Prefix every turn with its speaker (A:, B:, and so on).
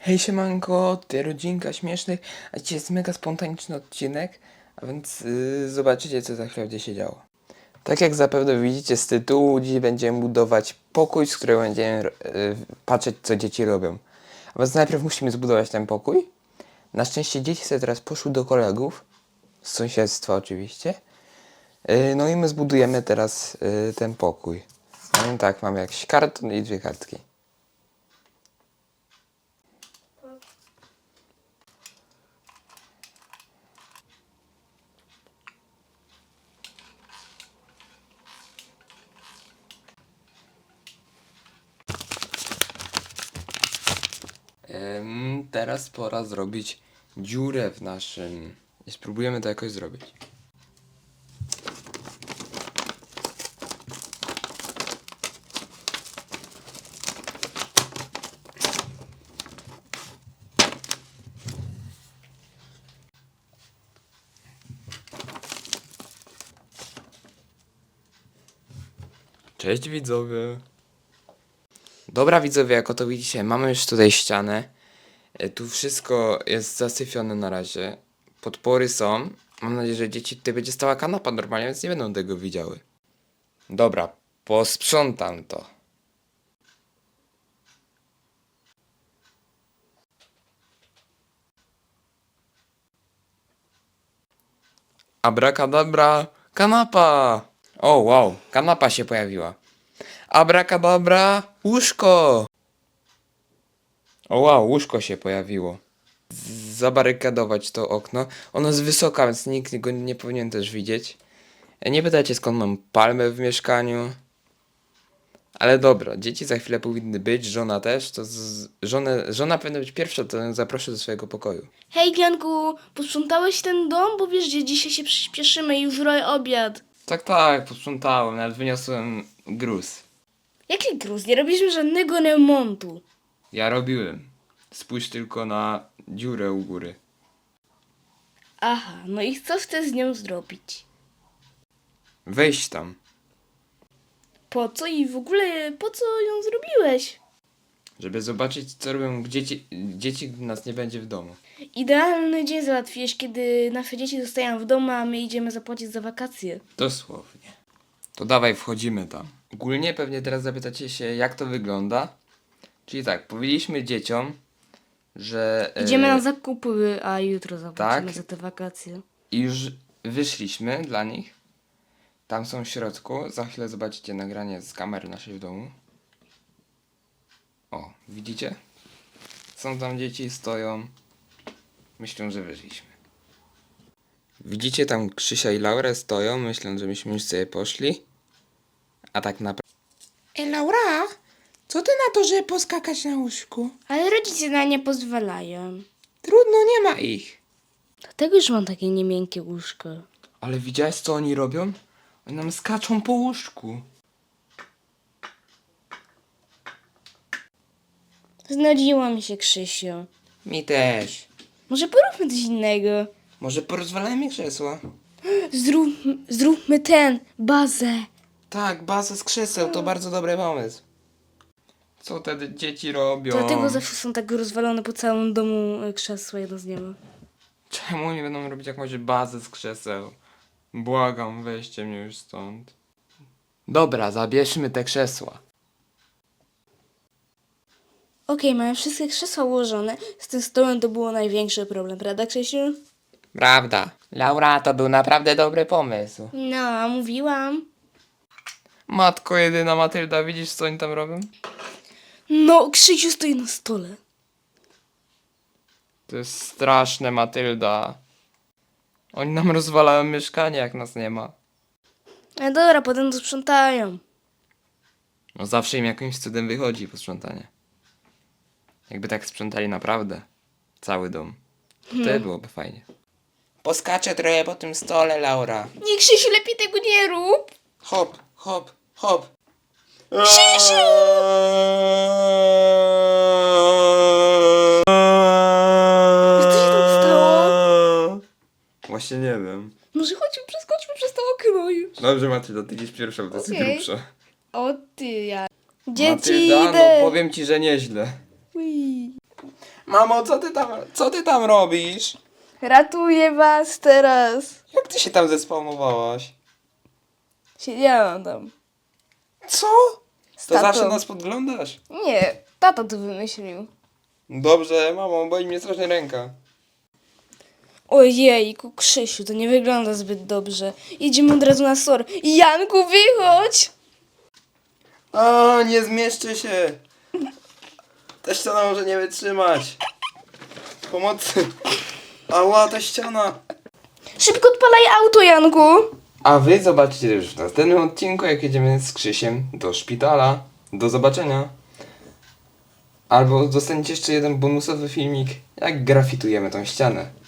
A: Hej siemanko, ty rodzinka śmiesznych, a dzisiaj jest mega spontaniczny odcinek, a więc zobaczycie co za chwilę będzie się działo. Tak jak zapewne widzicie z tytułu, dziś będziemy budować pokój, z którego będziemy patrzeć co dzieci robią. A więc najpierw musimy zbudować ten pokój. Na szczęście dzieci sobie teraz poszły do kolegów, z sąsiedztwa oczywiście. No i my zbudujemy teraz ten pokój. No i tak, mamy jakiś karton i dwie kartki. Teraz pora zrobić dziurę w naszym... I spróbujemy to jakoś zrobić. Cześć widzowie! Dobra widzowie, jak oto widzicie, mamy już tutaj ścianę. Tu wszystko jest zasyfione na razie. Podpory są. Mam nadzieję, że dzieci tutaj będzie stała kanapa normalnie, więc nie będą tego widziały. Dobra, posprzątam to. Abracadabra, kanapa! O wow, kanapa się pojawiła. Abracadabra, łóżko! O wow, łóżko się pojawiło. Zabarykadować to okno. Ono jest wysoka, więc nikt go nie powinien też widzieć. Nie pytajcie skąd mam palmę w mieszkaniu. Ale dobra, dzieci za chwilę powinny być, żona też. Żona powinna być pierwsza, to ją zaproszę do swojego pokoju.
B: Hej Janku, posprzątałeś ten dom? Bo wiesz, że dzisiaj się przyspieszymy i już roję obiad.
A: Tak, posprzątałem, nawet wyniosłem gruz.
B: Jaki gruz? Nie robiliśmy żadnego remontu.
A: Ja robiłem. Spójrz tylko na dziurę u góry.
B: Aha, no i co chcesz z nią zrobić?
A: Wejdź tam,
B: Po co i w ogóle po co ją zrobiłeś?
A: żeby zobaczyć co robią dzieci, gdy nas nie będzie w domu.
B: Idealny dzień załatwiłeś, kiedy nasze dzieci zostają w domu, a my idziemy zapłacić za wakacje.
A: Dosłownie. To dawaj, wchodzimy tam. Ogólnie pewnie teraz zapytacie się, jak to wygląda. Czyli tak, powiedzieliśmy dzieciom, że...
B: Idziemy na zakupy, a jutro zapłacimy
A: tak.
B: za te wakacje.
A: I już wyszliśmy dla nich. Tam są w środku. Za chwilę zobaczycie nagranie z kamery naszej w domu. O, widzicie? Są tam dzieci, stoją. Myślą, że wyszliśmy. Widzicie tam Krzysia i Laurę stoją, myślą, że myśmy już sobie poszli. A tak naprawdę...
C: Laura, co ty na to, żeby poskakać na łóżku?
B: Ale rodzice na nie pozwalają.
C: Trudno, nie ma ich.
B: Dlatego już mam takie niemiękkie łóżko.
A: Ale widziałeś co oni robią? Oni nam skaczą po łóżku.
B: Znudziło mi się, Krzysiu.
A: Mi też.
B: Może poróbmy coś innego.
A: Może porozwalajmy krzesła?
B: Zróbmy bazę.
A: Tak, bazę z krzeseł, to bardzo dobry pomysł. Co te dzieci robią?
B: Dlatego zawsze są tak rozwalone po całym domu krzesła, jedno z nieba.
A: Czemu nie będą robić jakąś bazę z krzeseł? Błagam, weźcie mnie już stąd. Dobra, zabierzmy te krzesła.
B: Okej, mamy wszystkie krzesła ułożone. Z tym stołem to było największy problem, prawda, Krzysiu?
A: Prawda. Laura, to był naprawdę dobry pomysł.
B: No, mówiłam.
A: Matko jedyna Matylda, widzisz co oni tam robią?
B: No, Krzysiu stoi na stole.
A: To jest straszne, Matylda. Oni nam rozwalają mieszkanie, jak nas nie ma.
B: Ale dobra, potem to sprzątają.
A: No zawsze im jakimś cudem wychodzi posprzątanie. Jakby tak sprzątali naprawdę cały dom. Wtedy byłoby fajnie. Poskaczę trochę po tym stole, Laura.
B: Nie, Krzysiu, lepiej tego nie rób.
A: Hop, hop, hop.
B: Krzysiu! Co się tam stało?
A: Właśnie nie wiem.
B: Może chodźmy, przeskoczmy przez to okno już.
A: Dobrze, Matylda, ty idziesz pierwsza, bo to jest
B: Okej.
A: grubsza.
B: O ty, ja. Dzieci,
A: Matylda,
B: idę.
A: no powiem ci, że nieźle.
B: Ui.
A: Mamo, co ty tam robisz?
B: Ratuję was teraz.
A: Jak ty się tam zespawnowałaś?
B: Siedziałam tam.
A: Co?
B: Z
A: To
B: tatą.
A: zawsze nas podglądasz?
B: Nie, tata to wymyślił.
A: Dobrze, mamo, boli mnie strasznie ręka.
B: Ojejku, Krzysiu, to nie wygląda zbyt dobrze. Idziemy od razu na SOR. Janku, wychodź!
A: A, nie zmieszczę się. Ta ściana może nie wytrzymać. Pomocy. Ała, ta ściana.
B: Szybko odpalaj auto, Janku!
A: A wy zobaczycie już w następnym odcinku, jak jedziemy z Krzysiem do szpitala. Do zobaczenia. Albo dostaniecie jeszcze jeden bonusowy filmik, jak grafitujemy tą ścianę.